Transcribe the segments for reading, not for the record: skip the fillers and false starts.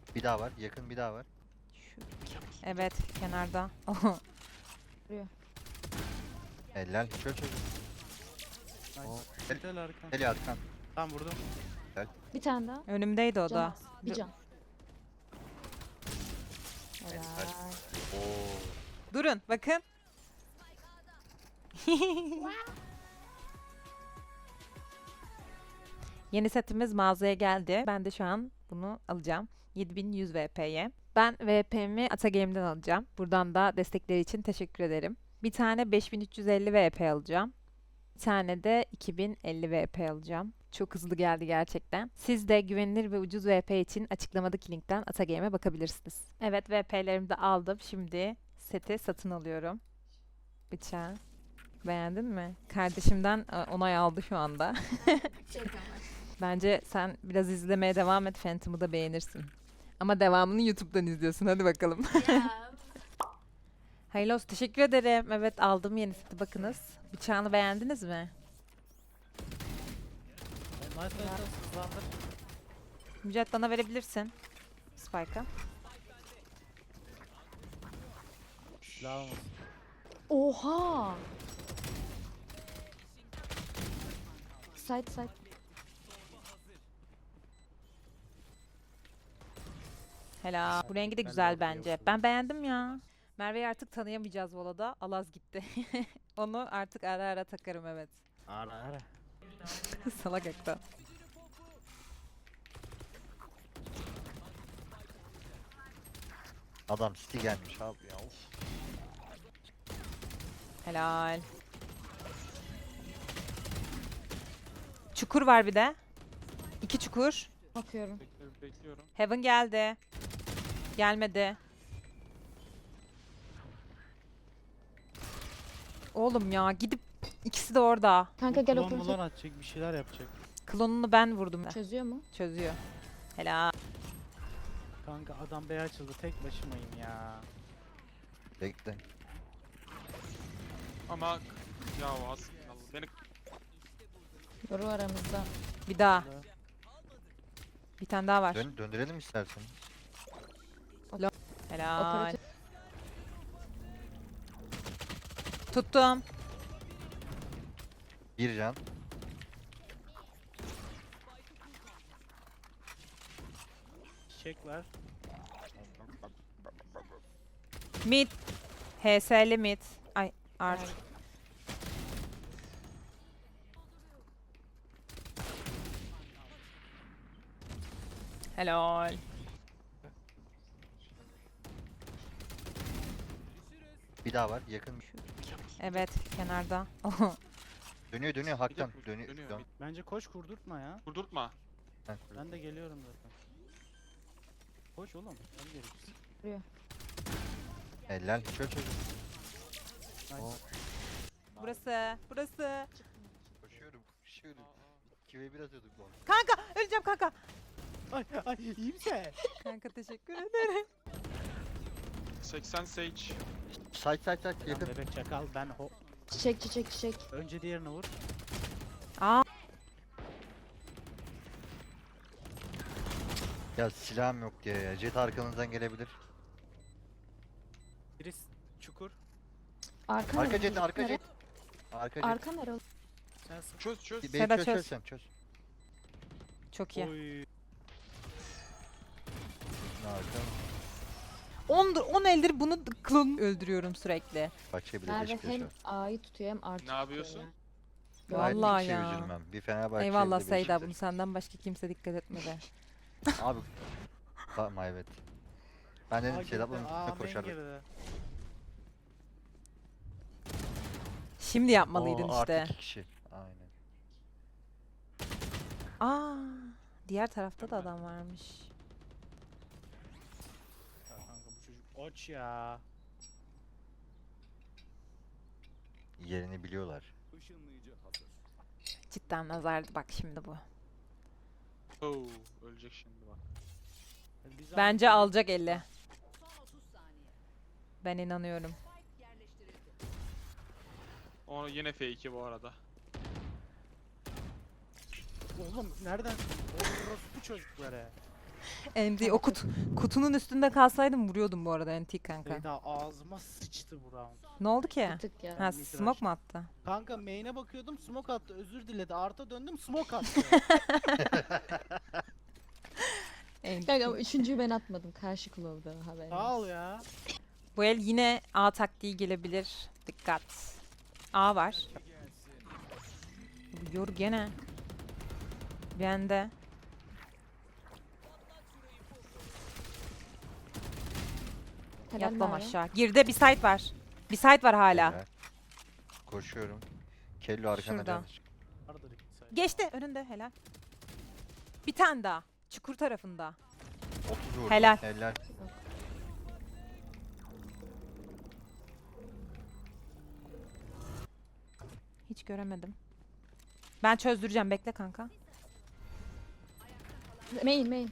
Bir daha var. Yakın bir daha var. Şu... Evet, kenarda. Helal. Çöz çöz. Oo. Nice. Gel arkan. Gel arkan. Tamam vurdum. Bir tane daha. Önümdeydi o Can da. az. Bir can. Helal. Helal. Oo. Durun, bakın. Yeni setimiz mağazaya geldi. Ben de şu an bunu alacağım. 7100 VP'ye. Ben VP'mi Atagame'den alacağım. Buradan da destekleri için teşekkür ederim. Bir tane 5350 VP alacağım. Bir tane de 2050 VP alacağım. Çok hızlı geldi gerçekten. Siz de güvenilir ve ucuz VP için açıklamadaki linkten Atagame'e bakabilirsiniz. Evet, VP'lerimi de aldım. Şimdi seti satın alıyorum. Bıçağı. Beğendin mi? Kardeşimden onay aldı şu anda. Bence sen biraz izlemeye devam et. Phantom'u da beğenirsin. Ama devamını YouTube'dan izliyorsun. Hadi bakalım. Hayırlı olsun. Teşekkür ederim. Evet, aldım yeni seti. Bakınız. Bıçağını beğendiniz mi? Nice. Hızlandır. Mücahit bana verebilirsin. Spike'a. Silahım olsun. Oha. Side. Helal. Bu rengi de Ben de güzel alıyorum bence. şunu. Ben beğendim ya. Merve'yi artık tanıyamayacağız Vola'da. Alaz gitti. Onu artık ara ara takarım, evet. Ara. Salak ekta. Adam City gelmiş abi ya. Of. Helal. Çukur var bir de. 2 çukur. Bakıyorum. Bekliyorum. Heaven geldi. Gelmedi. Oğlum ya, gidip ikisi de orada. Kanka gel Klon operatör. mulan atacak bir şeyler yapacak. Klonunu ben vurdum. Çözüyor mu? Çözüyor. Helal. Kanka adam B açıldı tek başımayım ya. Bekle. Ama ya az beni Yoru aramızda. Bir daha. Burada. Bir tane daha var. Döndürelim istersen. Helal. Operatör. Tuttum. Bir can. Çiçek var. Mid. HS'li mid. Ay art. Ay. Helal. Bir daha var. Yakın. Evet, kenarda. Dönüyor Hak'tan. dönüyor. Dönüyor. Bence koş kurdurtma ya. vurdurtma. Ben de geliyorum zaten. Koş oğlum. Ben geleceğiz. Helal. Çöz çöz. Nice. Oo. Burası. Burası. Koşuyorum. 2v1 atıyorduk bu arada. Kanka, öleceğim kanka. Ay iyi misin? Kanka teşekkür ederim. 80 Sage. Side Lan yakın. bebek çakal ben Çiçek. önce diğerini vur. Aa, Ya silahım yok diye ya. Jet arkanızdan gelebilir. Biri çukur. Arka Arka nere? jet, arka Nere? jet. Arka jet. Arka nere? Sen sık. Çöz. Beni Seda çöz çöz. çöz sen çöz. çok iyi. Oy. Arka. 10 eldir bunu klon öldürüyorum sürekli. Bahçe bile Merve beş hem yaşar. A'yı tutuyor hem artı Ne yapıyorsun? Gayet Vallahi bir şey ya. üzülmem. Bir Fenerbahçe Eyvallah bir de Seyda, Beşiktaş. bunu senden başka kimse dikkat etmedi. Abi. Tamam evet. Ben dedim girdi. Sedat'la Aa, üstüne main koşardık. girdi. Şimdi yapmalıydın Oo, işte. Artı 2 kişi. Aynen. Aa, diğer tarafta da adam varmış. Ya kanka bu çocuk aç ya. Yerini biliyorlar. Cidden nazardı bak şimdi bu. Oo, ölecek şimdi bak. Biz Bence alacak 50. Ben inanıyorum. O yine F2 bu arada. Oğlum nereden? Oğlum bu çocuklara. NT o kutunun üstünde kalsaydım vuruyordum bu arada NT kanka. Beyda ağzıma sıçtı bu round. Ne oldu ki? Bir tık ya. Ha Midrash. smoke mu attı? Kanka main'e bakıyordum smoke attı özür diledi. Arta döndüm smoke attı. Kanka ama üçüncüyü ben atmadım. Karşı kulağımda haberim. Sağ ol ya. Bu el yine A taktiği gelebilir. Dikkat. A var. Yor gene. Bende. Helal Yatmam Merve. aşağı. Girde bir site var. Bir site var hala. Helal. Koşuyorum. Kello arkana Şurada. can. Vardır iki sayı. Geçti önünde helal. Bir tane daha. Çukur tarafında. 30 vurdum. Helal. Helal. Hiç göremedim. Ben çözdüreceğim bekle kanka. Main.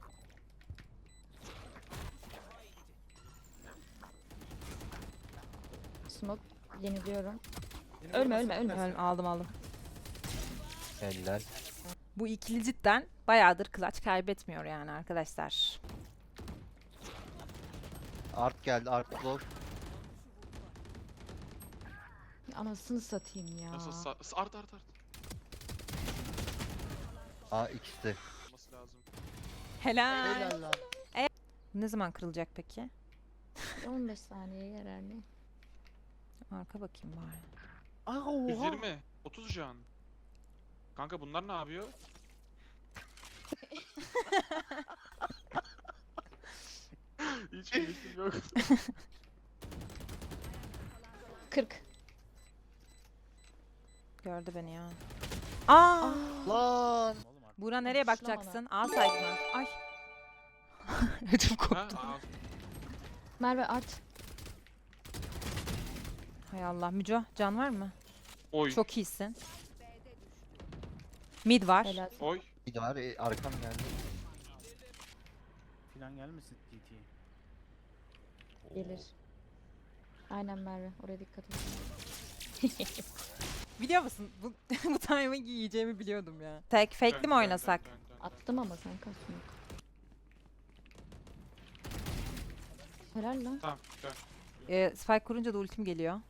Smoke yeniliyorum. Benim Ölme, orası ölme, ölme. bitmez. Aldım. Helal. Bu ikili cidden bayağıdır clutch kaybetmiyor yani arkadaşlar. Art geldi. Art close. Anasını satayım ya. Nasıl art. A ikisi. Olması lazım. Helal. Helal lan. Ne zaman kırılacak peki? 15 saniye herhalde. Arka bakayım bari. Aa oha. 120. 30 can. Kanka bunlar ne yapıyor? Hiç keyifim yok. 40. Gördü beni ya. Aa! Lan. Oğlum artık. Buğra nereye Alkışlama bakacaksın? A site mı? Ay. Ödüm Ha? koptu. Merve art. Hay Allah. Müco can var mı? Oy. Çok iyisin. Mid var. Helal. Oy. Bir de var. Arkam geldi. Plan gelmesin TT. Gelir. Aynen Merve. Oraya dikkat et. Biliyor musun? Bu timing'i yiyeceğimi biliyordum ya. Tek fake'li mi oynasak? Dön. Attım ama sen kaç smoke. Helal lan. Tamam dön. Spike kurunca da ultim geliyor.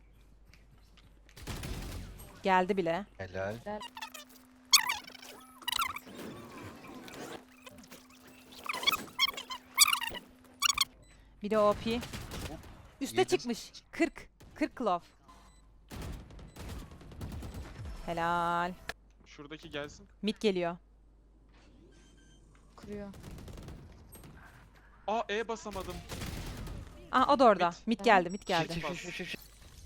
Geldi bile. Helal. Bir de OP. Üste Yedim. çıkmış. 40. 40 clove. Helal. Şuradaki gelsin. Mid geliyor. Kuruyor. Aa E basamadım. Ah o da orada. Mid. Mid geldi, mid geldi. Şit.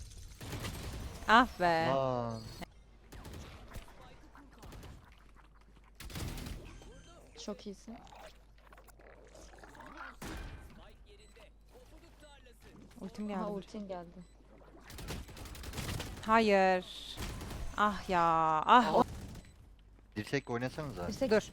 Ah be. Lan. Çok iyisin. Ultim Aha geldi. ultin geldi. Hayır. Ah ya. Ah. Dirsek oynasanıza. Yüksek. Dur.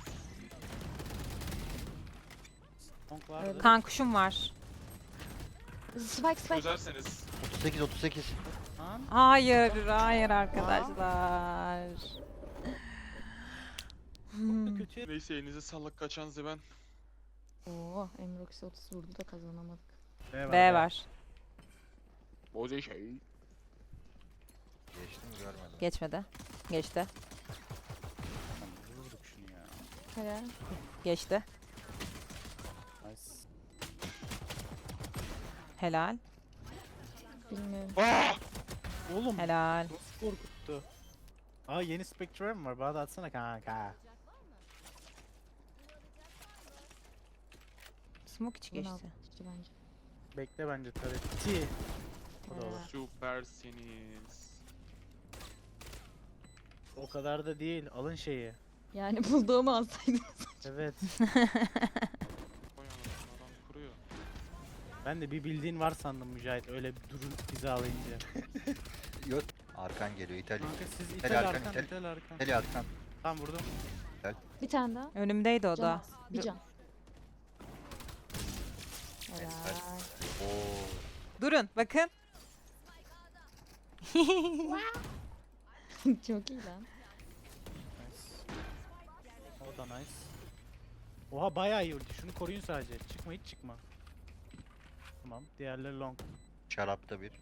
Honk vardı. Evet. Kan kuşum var. Spike. Çözerseniz. 38. Lan. Hayır. Hayır arkadaşlar. Hmm. Kötü. Neyse elinize sağlık kaçan ben. Oo, Emroxy 30 vurdu da kazanamadık. B var. Boze şey. Geçti mi görmedim. Geçmedi. Geçti. Vurduk şunu ya. Helal. Geçti. Nice. Helal. Bilmiyorum. Oğlum. Helal. Nasıl korkuttu? Aa yeni Spectre mi var? Bana da atsana kanka. Smoke içi Bunu al. geçti. İşte bence. Bekle bence tabii. O da olur. Süpersiniz. O kadar da değil. Alın şeyi. Yani bulduğumu alsaydım. Evet. Koy anasını adam kuruyor. Ben de bir bildiğin var sandım Mücahit. Öyle bir durun hizalayınca. Yok. Arkan geliyor. İtalya. Kanka siz Helal itel arkan, arkan, itel. itel arkan. İtalya arkan. Tamam vurdum. Bir tane daha. Önümdeydi o Can da. az. Bir can. Helal. Oo. Durun bakın. Çok iyi lan. Nice. O da nice. Oha bayağı iyi ulti. Şunu koruyun sadece. Çıkma hiç çıkma. Tamam. Diğerleri long. Şarapta bir.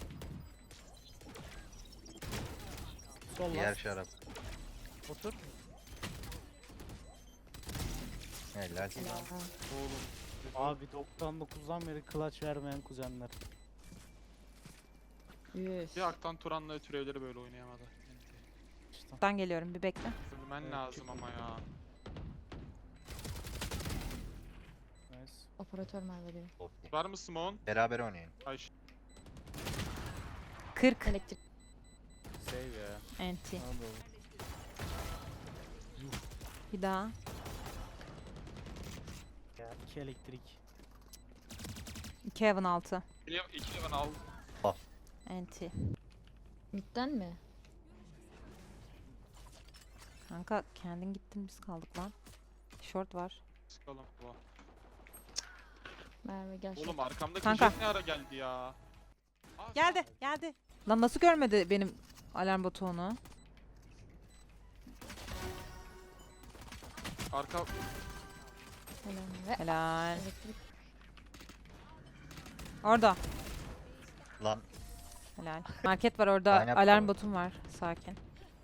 Sol Diğer last. şarap. Otur. Helal. Oğlum. Abi 99'dan beri clutch vermeyen kuzenler. Üf. Bir Aktan Turan'la türevleri böyle oynayamadı. İşte. Ben geliyorum bir bekle. Ölmen Evet, lazım çık ama ya. Nice. Operatör Merve diyor. Okey. Var mı Simon? Beraber oynayın. Ay 40 Elektrik. Save ya. NT. Ne oldu? Bir daha. Ya 2 elektrik. 2 Heaven 6. iki level al. NT. Midden mi? Kanka kendin gittin biz kaldık lan. Short var. Sıkalım bu. Merve gel. Oğlum arkamdaki Kanka. jet ne ara geldi ya? Aa, Geldi geldi. Lan nasıl görmedi benim alarm botu onu? Arka Helal Merve. Helal. Elektrik. Orada. Lan Helal. Market var orada. Aynen, Alarm tamam. botum var. Sakin.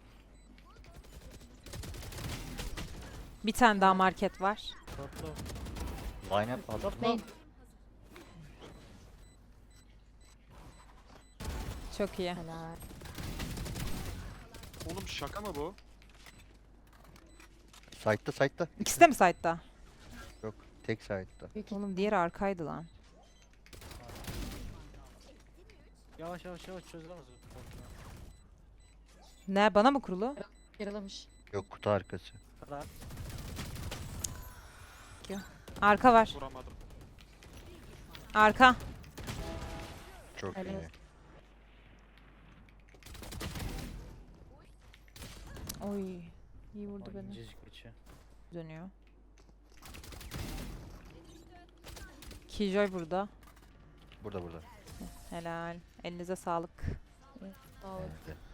Bir tane daha market var. Topla. line up aldım. Topla. Main. Çok iyi. Helal. oğlum şaka mı bu? Side'da side'da. İkisi de mi site'da? Yok. Tek side'da. Büyük Oğlum diğeri arkaydı lan. Yavaş yavaş yavaş çözülemez. Ne bana mı kurulu? yaralamış. Yok, kutu arkası. Rahat. Arka var. Vuramadım. Arka. Çok Helal iyi. olsun. Oy. İyi vurdu beni. İncecik içi. Dönüyor. Killjoy burada. Burada burada. Helal. Elinize sağlık. Sağ ol. Evet.